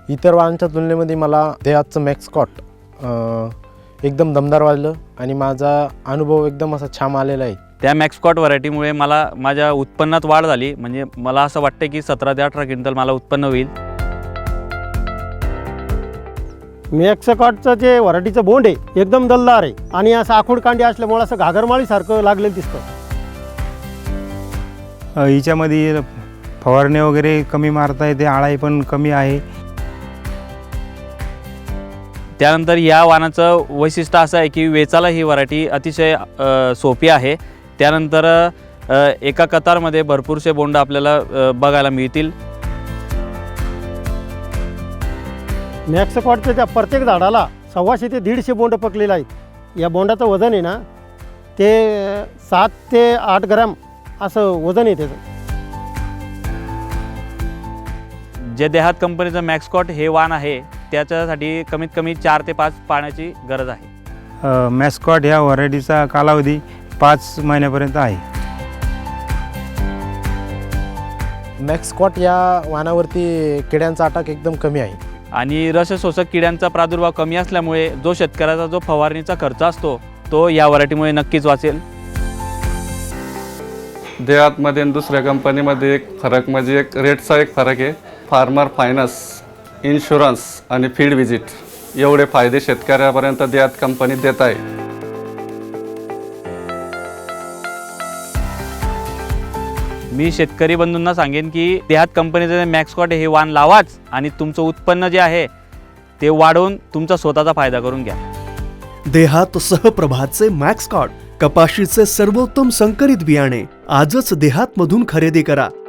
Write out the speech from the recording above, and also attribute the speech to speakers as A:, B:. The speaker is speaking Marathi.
A: इतर वाहनांच्या तुलनेमध्ये मला देहातचं मॅक्सकॉट एकदम दमदार वाजलं आणि माझा अनुभव एकदम असा छान आलेला आहे.
B: त्या मॅक्सकॉट व्हरायटीमुळे मला माझ्या उत्पन्नात वाढ झाली. म्हणजे मला असं वाटतं की 17 ते 18 क्विंटल मला उत्पन्न होईल.
C: मॅक्सकॉटचं जे व्हरायटीचं बोंड आहे एकदम दलदार आहे आणि असं आखूड कांडी असल्यामुळे असं घागरमाळीसारखं लागलेलं दिसतं.
D: हिच्यामध्ये फवारणे वगैरे कमी मारता येते, आळाई पण कमी आहे.
B: त्यानंतर या वाहनाचं वैशिष्ट्य असं आहे की वेचायला ही व्हरायटी अतिशय सोपी आहे. त्यानंतर एका कतारमध्ये भरपूरसे बोंड आपल्याला बघायला मिळतील.
C: मॅक्सकॉटच्या त्या प्रत्येक झाडाला 125 ते 150 बोंड पकलेले आहेत. या बोंडाचं वजन आहे ना ते 7 ते 8 ग्रॅम असं वजन आहे त्याचं.
B: जे देहात कंपनीचं मॅक्सकॉट हे वाहन आहे त्याच्यासाठी कमीत कमी 4 ते 5 पाण्याची गरज आहे.
D: मॅस्कॉट ह्या व्हरायटीचा कालावधी 5 महिन्यापर्यंत आहे.
A: मॅक्सकॉट या वाहनावरती किड्यांचा अटॅक एकदम कमी आहे
B: आणि रसशोषक किड्यांचा प्रादुर्भाव कमी असल्यामुळे जो शेतकऱ्याचा जो फवारणीचा खर्च असतो तो या व्हरायटीमुळे नक्कीच वाचेल.
E: देहातमध्ये आणि दुसऱ्या कंपनीमध्ये एक फरक म्हणजे एक रेटचा एक फरक आहे. फार्मर फायनान्स, इन्शुरन्स आणि फील्ड व्हिजिट एवढे फायदे शेतकऱ्यापर्यंत देहात कंपनी देत आहे.
B: मी शेतकरी बंधूंना सांगेन की देहात कंपनीचं मॅक्सकॉट हे वाहन लावाच आणि तुमचं उत्पन्न जे आहे ते वाढवून तुमचा स्वतःचा फायदा करून घ्या.
F: देहात सहप्रभाचे मॅक्सकॉट कपाशीचे सर्वोत्तम संकरित बियाणे आजच देहातमधून खरेदी करा.